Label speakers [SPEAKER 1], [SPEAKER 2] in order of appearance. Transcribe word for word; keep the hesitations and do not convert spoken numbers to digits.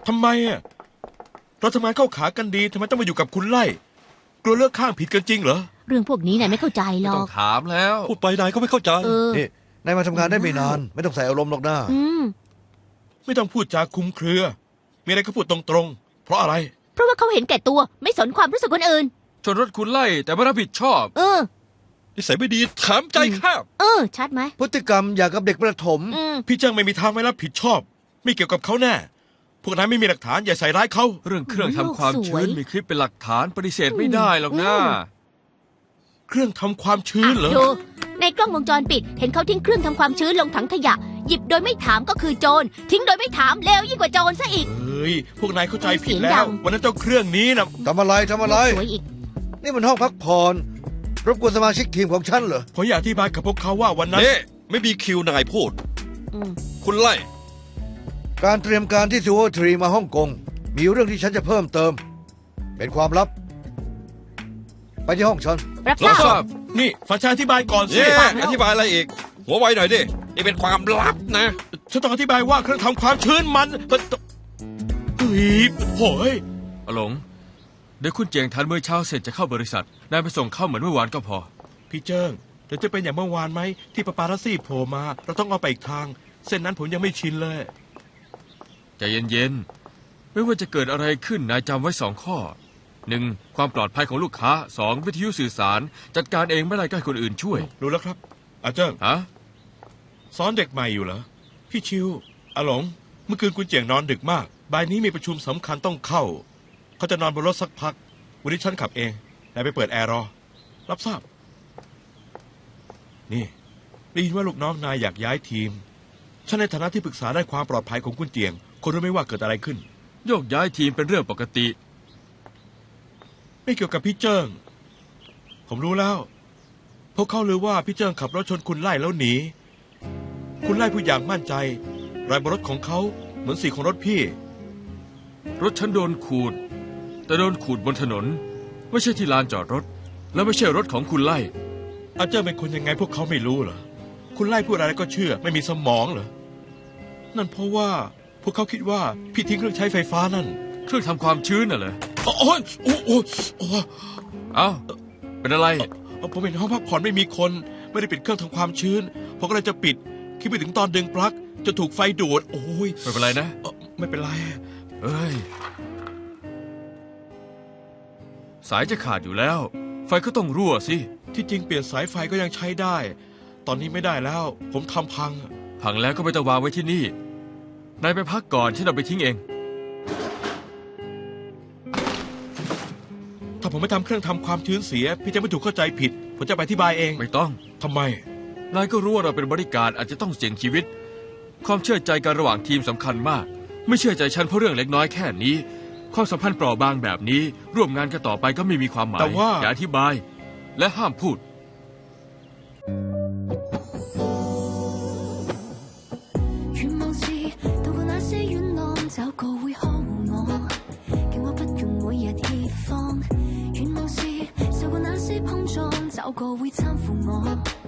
[SPEAKER 1] ทำไมอ่ะเราทำงานเข้าขากันดีทำไมต้องมาอยู่กับคุณไล่กลัวเลือกข้างผิดกันจริงเหรอ
[SPEAKER 2] เรื่องพวกนี้นายไม่เข้าใจหร
[SPEAKER 3] ไม่
[SPEAKER 2] อ
[SPEAKER 3] ต้อก งถามแล้ว
[SPEAKER 4] พูดไปนายก็ไม่เข้าใจ
[SPEAKER 2] เออ
[SPEAKER 5] นี่นายมาทำงานได้ไม่นาน ไม่ต้องใส่อารมณ์หรอกนะ
[SPEAKER 2] อืม
[SPEAKER 1] ไม่ต้องพูดจาคลุมเครือ มีอะไรก็พูดตรงๆเพราะอะไร
[SPEAKER 2] เพราะว่าเขาเห็นแก่ตัวไม่สนความรู้สึกคนอื่น
[SPEAKER 3] ชนรถคุณไล่แต่ไม่รับผิดชอบ
[SPEAKER 2] เออ
[SPEAKER 4] นิสัยไม่ดีถามใจข้าบ
[SPEAKER 2] เออ ชัดไหม
[SPEAKER 5] พฤติกรรมอย่างกับเด็กประถม
[SPEAKER 2] อืม
[SPEAKER 1] พี่เจิ้งไม่มีทางไม่รับผิดชอบ ไม่เกี่ยวกับเขาแน่พวกนายไม่มีหลักฐานอย่าใส่ร้ายเขา
[SPEAKER 3] เรื่องเครื่องทำความ
[SPEAKER 2] โลกสวย
[SPEAKER 3] ชื้นมีคลิปเป็นหลักฐานปฏิเสธไม่ได้หรอกนะ
[SPEAKER 2] อืม
[SPEAKER 1] เครื่องทำความชื้นเหรอ
[SPEAKER 2] ดูในกล้องวงจรปิด เห็นเขาทิ้งเครื่องทำความชื้นลงถังขยะ หยิบโดยไม่ถามก็คือโจรทิ้งโดยไม่ถามเลวยิ่งกว่าโจรซะอีก
[SPEAKER 1] เฮ้ยพวกนายเข้าใจผิด
[SPEAKER 2] เสียง
[SPEAKER 1] แล้
[SPEAKER 2] ดั
[SPEAKER 1] ว
[SPEAKER 2] ง
[SPEAKER 1] วันนั้นเจ้าเครื่องนี้นะ
[SPEAKER 5] ทำอะไรทำอะไร
[SPEAKER 2] สวยอีก
[SPEAKER 5] นี่มันห้องพักผ่อนรบกวนสมาชิกทีมของฉันเหรอ
[SPEAKER 1] ผมอยากอธิบายกับพวกเขาว่าวันนั้น
[SPEAKER 4] เน่ไม่มีคิวนายพูด
[SPEAKER 2] อืม
[SPEAKER 4] คุณไล่
[SPEAKER 5] การเตรียมการที่ซูโอทรีมาฮ่องกงมีเรื่องที่ฉันจะเพิ่มเติม เป็นความลับ ไปที่ห้องฉัน
[SPEAKER 2] รับท
[SPEAKER 3] รับท
[SPEAKER 2] รา
[SPEAKER 3] รา
[SPEAKER 2] บบ
[SPEAKER 1] นี่ฟังฉันอธิบายก่อนสิ
[SPEAKER 4] เย่อธิบายอะไรอีก หัวไวหน่อยดิ นี่เป็นความลับนะ
[SPEAKER 1] ฉันต้องอธิบายว่าเครื่องทำความชื้นมันเฮ้ยโหย
[SPEAKER 3] อหลงเดี๋ยวคุณเจียงทันเมื่อเช้าเสร็จจะเข้าบริษัทนายไปส่งเข้าเหมือนเมื่อวานก็พอ
[SPEAKER 1] พี่เจิ้งเดี๋ยวจะเป็นอย่างเมื่อวานไหมที่ปาปารัสซี่โผล่มา เราต้องเอาไปอีกทาง เส้นนั้นผมยังไม่ชินเลย
[SPEAKER 3] ใจเย็นๆ ไม่ว่าจะเกิดอะไรขึ้นนายจำไว้สองข้อหนึ่งความปลอดภัยของลูกค้าสองวิทยุสื่อสาร จัดการเองไม่ได้ก็ให้คนอื่นช่วย
[SPEAKER 1] รู้แล้วครับอาเจิ้ง
[SPEAKER 3] ฮะ
[SPEAKER 1] สอนเด็กใหม่อยู่เหรอพี่ชิวอาหลงเมื่อคืนคุณเจียงนอนดึกมากบ่ายนี้มีประชุมสำคัญต้องเข้าเขาจะนอนบนรถสักพักวันนี้ฉันขับเองนายไปเปิดแอร์รอรับทราบนี่ได้ยินว่าลูกน้องนายอยากย้ายทีมฉันในฐานะที่ปรึกษาด้านความปลอดภัยของคุณเจียงคนรู้ไหมว่าเกิดอะไรขึ้น
[SPEAKER 3] โยกย้ายทีมเป็นเรื่องปกติ
[SPEAKER 1] ไม่เกี่ยวกับพี่เจิ้งผมรู้แล้วพวกเขาลือว่าพี่เจิ้งขับรถชนคุณไล่แล้วหนีคุณไล่ผู้อย่างมั่นใจรอยบนรถของเขาเหมือนสีของรถพี่
[SPEAKER 3] รถฉันโดนขูด แต่โดนขูดบนถนน ไม่ใช่ที่ลานจอดรถ และไม่ใช่รถของคุณไล่
[SPEAKER 1] อาเจิ้งเป็นคนยังไงพวกเขาไม่รู้เหรอคุณไล่พูดอะไรก็เชื่อไม่มีสมองเหรอนั่นเพราะว่าพวกเขาคิดว่าพี่ทิ้งเครื่องใช้ไฟฟ้านั่น
[SPEAKER 3] เครื่องทำความชื้นน่ะเหรอ
[SPEAKER 1] โอ้ยโอ้โอ้โอ้
[SPEAKER 3] เอ้าเป็นอะไร
[SPEAKER 1] ผมเห็นห้องพักผ่อนไม่มีคนไม่ได้ปิดเครื่องทำความชื้นผมก็เลยจะปิดคิดไปถึงตอนดึงปลั๊กจะถูกไฟดูดโอ้ย
[SPEAKER 3] ไม่เป็นไรนะ
[SPEAKER 1] เอ่อไม่เป็นไร
[SPEAKER 3] เอ้ย สายจะขาดอยู่แล้ว ไฟก็ต้องรั่วสิ
[SPEAKER 1] ที่จริงเปลี่ยนสายไฟก็ยังใช้ได้ ตอนนี้ไม่ได้แล้ว ผมทำพัง
[SPEAKER 3] พังแล้วก็ไม่ต้องวางไว้ที่นี่ นายไปพักก่อนฉันเอาไปทิ้งเอง
[SPEAKER 1] ถ้าผมไม่ทำเครื่องทำความชื้นเสีย พี่จะไม่ถูกเข้าใจผิด ผมจะไปอธิบายเอง
[SPEAKER 3] ไม่ต้อง
[SPEAKER 1] ทำไม
[SPEAKER 3] นายก็รู้ว่าเราเป็นบริการอาจจะต้องเสี่ยงชีวิต ความเชื่อใจกันระหว่างทีมสำคัญมาก ไม่เชื่อใจฉันเพราะเรื่องเล็กน้อยแค่นี้ ความสัมพันธ์เปราะบางแบบนี้ ร่วมงานกันต่อไปก็ไม่มีความหมาย
[SPEAKER 1] แต่ว่า
[SPEAKER 3] อย่าอธิบาย และห้ามพูด
[SPEAKER 6] 願望是渡過那些冤案，找個會呵護我，叫我不用每日怯慌。願望是受過那些碰撞，找個會攙扶我。